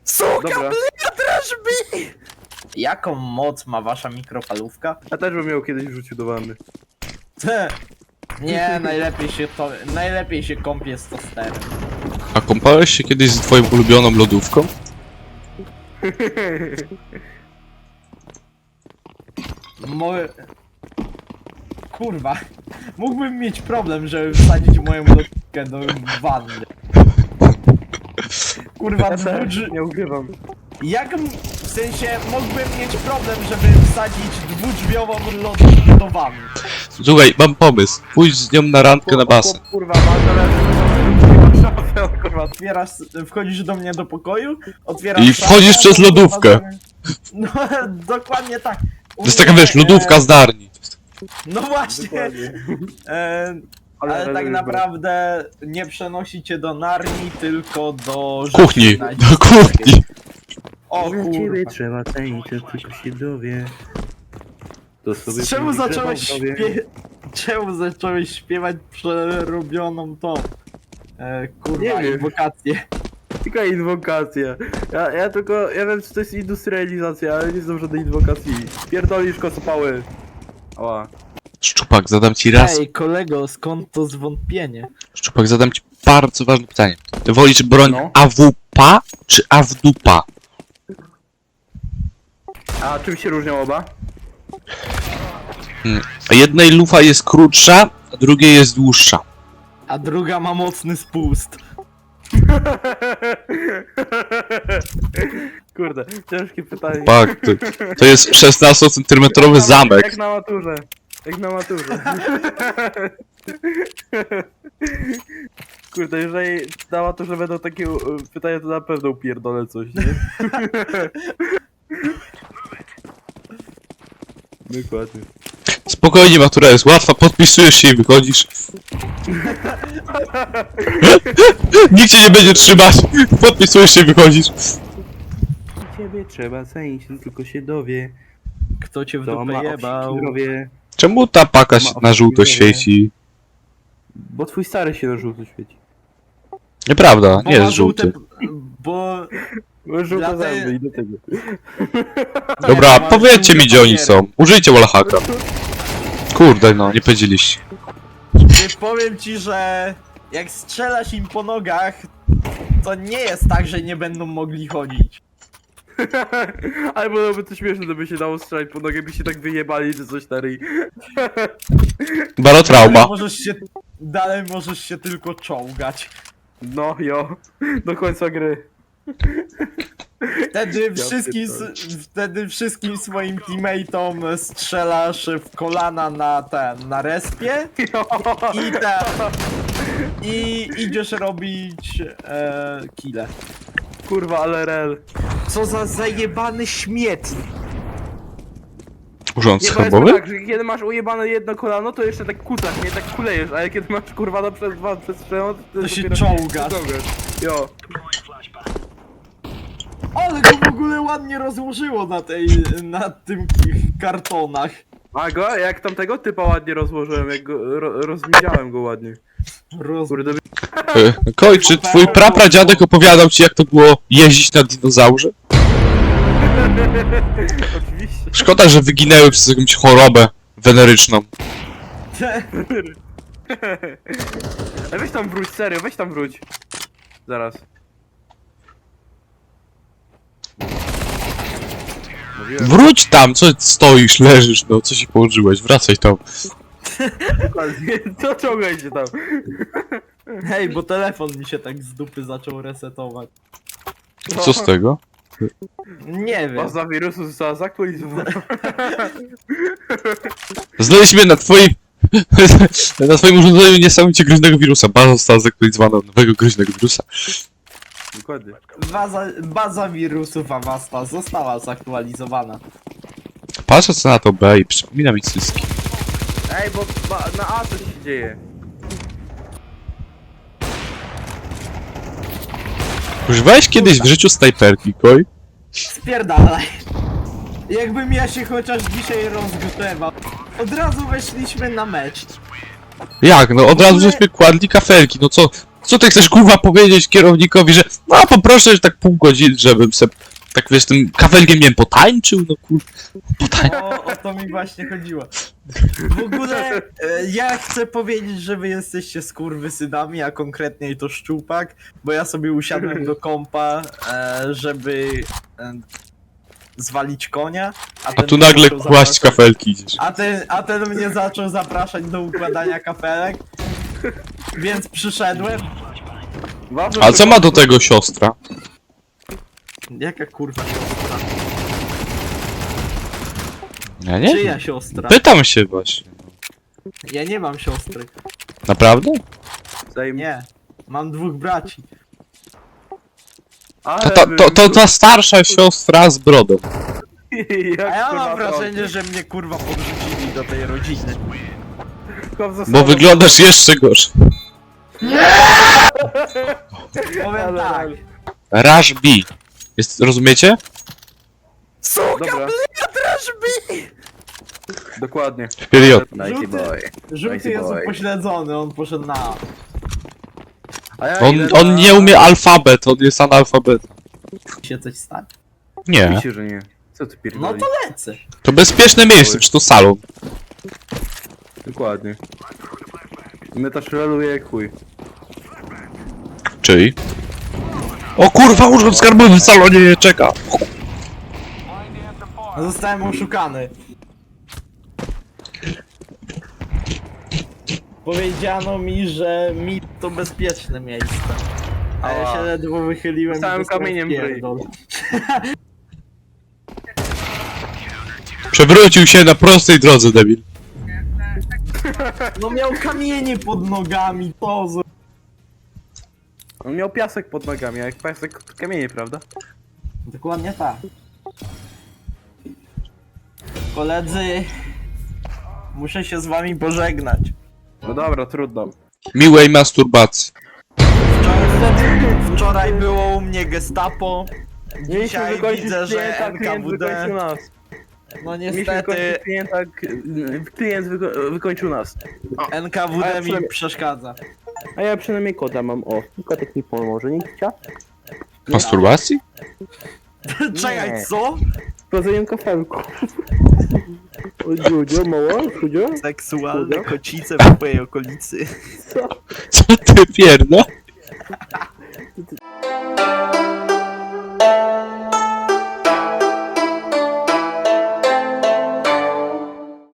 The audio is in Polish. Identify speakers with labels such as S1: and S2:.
S1: Suka,
S2: Dobra.
S1: bliadraż mi! Jaką moc ma wasza mikrofalówka?
S2: Ja też bym miał kiedyś wrzucił do wanny.
S1: Te. Nie, najlepiej się kąpie z tosterem.
S3: A kąpałeś się kiedyś z twoją ulubioną lodówką?
S1: Kurwa, mógłbym mieć problem, żeby wsadzić moją lodówkę do wanny. Kurwa,
S2: Nie ukrywam.
S1: w sensie mógłbym mieć problem, żeby wsadzić dwudrzwiową lodówkę do wanny.
S3: Słuchaj, mam pomysł. Pójdź z nią na randkę na basen.
S2: Kurwa, mam telefon. Kurwa.
S1: Otwierasz, wchodzisz do mnie do pokoju, otwierasz
S3: I wchodzisz przez lodówkę.
S1: No, dokładnie tak.
S3: To jest taka, wiesz, lodówka z Narni.
S1: No właśnie.
S2: Dokładnie.
S1: Ale tak naprawdę nie przenosi cię do Narni, tylko do
S3: Kuchni,
S1: rzeczy na
S3: do kuchni.
S1: O
S2: Dla
S1: kurwa.
S2: ciebie trzeba cenić, to tylko się dowie. To sobie
S1: Czemu zacząłeś
S2: śpiewać?
S1: Czemu zacząłeś śpiewać przerobioną tą kurwa
S2: Nie wiem.
S1: inwokację?
S2: Tylko inwokacja. Ja wiem, co to jest industrializacja, ale nie znam żadnej inwokacji. Pierdolisz kocopały. Ała.
S3: Szczupak, zadam ci raz.
S1: Ej kolego, skąd to zwątpienie?
S3: Szczupak, zadam ci bardzo ważne pytanie. Ty wolisz broń
S2: No.
S3: AWP czy AWDUPA?
S2: A czym się różnią oba?
S3: Jednej lufa jest krótsza, a drugiej jest dłuższa.
S1: A druga ma mocny spust.
S2: Kurde, ciężkie pytanie.
S3: Tak, to jest 16-centymetrowy zamek.
S2: Jak na maturze. Jak na maturze. Kurde, jeżeli na maturze będą takie pytania, to na pewno upierdolę coś, nie? Dokładnie.
S3: Spokojnie, matura jest łatwa, podpisujesz się i wychodzisz. Nikt cię nie będzie trzymać. Podpisujesz się i wychodzisz.
S2: Ciebie trzeba cenić, tylko się dowie.
S1: Kto cię w
S2: To
S1: dupę
S2: ma
S1: jebał?
S2: zdrowie.
S3: Czemu ta paka się na żółto świeci?
S2: Bo twój stary się na żółto świeci.
S3: Nieprawda,
S1: Bo
S3: nie
S1: ma
S3: jest żółty.
S1: Bo...
S2: Bo żółto
S1: Dla tej-
S2: zęby i do tego.
S3: Dobra,
S1: ma
S3: powiedzcie mi,
S1: żółte
S3: gdzie oni
S1: papiery.
S3: są. Użyjcie wallhacka. Kurde, no, nie powiedzieliście.
S1: Powiem ci, że jak strzelasz im po nogach, to nie jest tak, że nie będą mogli chodzić.
S2: Ale byłoby to śmieszne, gdyby się dało strzelać po nogę, by się tak wyjebali, czy coś stary.
S3: Barotrauma.
S1: Dalej możesz się tylko czołgać.
S2: No jo, do końca gry.
S1: Wtedy wszystkim swoim teammateom strzelasz w kolana na respie i idziesz robić kile.
S2: Kurwa, ale rel.
S1: Co za zajebany śmietnik.
S3: Urząd
S2: Nie, bo jest
S3: schabowy?
S2: tak, że kiedy masz ujebane jedno kolano, to jeszcze tak kucasz, nie tak kulejesz, ale kiedy masz kurwa na przez dwa przestrzelone,
S1: To się
S2: dopiero
S1: czołgasz.
S2: Jo.
S1: Ale go w ogóle ładnie rozłożyło na tym kartonach.
S2: A go, jak tamtego typa ładnie rozłożyłem, jak go, rozmieniałem go ładnie. Kurde,
S3: Koj, czy twój prapradziadek opowiadał ci, jak to było jeździć na dinozaurze?
S2: oczywiście.
S3: Szkoda, że wyginęły przez jakąś chorobę weneryczną.
S2: Ale weź tam wróć, serio, weź tam wróć. Zaraz. Mówiłem,
S3: Wróć tam, co stoisz, leżysz, no, co się położyłeś, wracaj tam.
S2: dokładnie, to ciągaj się tam.
S1: Hej, bo telefon mi się tak z dupy zaczął resetować.
S3: Co z tego?
S1: Nie wiem.
S2: Baza wirusu została zaktualizowana.
S3: Znaleźliśmy na twoim... na twoim urządzeniu niesamowicie groźnego wirusa. Baza została zaktualizowana od nowego groźnego wirusa.
S2: Dokładnie.
S1: Baza wirusów Avasta została zaktualizowana.
S3: Patrzę co na to B i przypomina mi cyski.
S2: Ej, bo na A coś się dzieje.
S3: Używałeś kiedyś w życiu snajperki, Koj?
S1: Spierdalaj. Jakbym ja się chociaż dzisiaj rozgrzewał. Od razu weszliśmy na mecz.
S3: Jak? No od razu żeśmy kładli kafelki, no co? Co ty chcesz kurwa powiedzieć kierownikowi, że no poproszę tak pół godziny, żebym se tak wiesz tym kafelkiem nie wiem, potańczył, no kurwa.
S1: O to mi właśnie chodziło. W ogóle ja chcę powiedzieć, że wy jesteście skurwysynami, a konkretniej to Szczupak, bo ja sobie usiadłem do kompa, żeby zwalić konia,
S3: A
S1: ten
S3: tu
S1: mnie
S3: nagle
S1: zaczął
S3: kłaść
S1: zapraszać-
S3: kafelki idziesz.
S1: a ten mnie zaczął zapraszać do układania kafelek, więc przyszedłem.
S2: Ważne,
S3: A
S2: że-
S3: co ma do tego siostra?
S1: Jaka kurwa siostra?
S3: Ja nie
S1: Czyja
S3: wiem.
S1: siostra?
S3: Pytam się właśnie.
S1: Ja nie mam siostry.
S3: Naprawdę?
S1: Nie. Mam 2 braci.
S2: Ale
S3: To ta starsza siostra z brodą.
S2: Jak
S1: A ja
S2: kurwa
S1: mam wrażenie, że mnie kurwa podrzucili do tej rodziny.
S3: Bo wyglądasz jeszcze gorzej.
S1: Powiem tak.
S3: Rush B. Rozumiecie?
S1: Suka,
S2: Dobra,
S1: też mi!
S2: dokładnie.
S3: Period.
S2: Nice
S1: Żółty-
S2: boy.
S1: Żółty
S2: Nice
S1: jest
S2: boy.
S1: upośledzony, on poszedł na A.
S2: A ja
S3: On,
S2: idę
S3: on
S2: na-
S3: nie umie alfabet, on jest analfabet.
S1: Się coś stanie.
S3: Nie.
S2: Oczywiście, że nie. Co ty
S1: No
S2: pierdolisz?
S1: to lecę.
S3: To bezpieczne miejsce, czy to salon.
S2: Dokładnie. My też reluje jak chuj.
S3: Czyli? O kurwa, urząd skarbowy w salonie nie czeka.
S1: Zostałem oszukany. Powiedziano mi, że mit to bezpieczne miejsce. A ja
S2: Ała.
S1: się ledwo wychyliłem
S2: Dostałem
S1: i dostałem
S2: kamieniem w ryj.
S1: pierdol.
S3: Przewrócił się na prostej drodze, debil.
S1: No miał kamienie pod nogami, to z...
S2: On miał piasek pod nogami, a jak piasek to kamienie, prawda?
S1: Dokładnie tak. Koledzy, muszę się z wami pożegnać.
S2: No dobra, trudno.
S3: Miłej masturbacji.
S1: Wczoraj było u mnie gestapo.
S2: Mieliśmy
S1: Dzisiaj
S2: wykończyć
S1: widzę, że
S2: klienta, klient
S1: NKWD.
S2: wykończył nas.
S1: No
S2: Mieliśmy
S1: niestety
S2: wykończyć klienta, klient wykończył nas.
S1: NKWD mi
S2: przynajmniej-
S1: przeszkadza.
S2: A ja przynajmniej koda mam, o. Kotek mi pomoże, nie chciał?
S3: Masturbacji?
S1: Czekaj, co?
S2: Sprawdzają kafelku. O, Dziudzio, mała, Dziudzio?
S1: Seksualne kocice w twojej okolicy.
S2: Co?
S3: Co ty pierdo?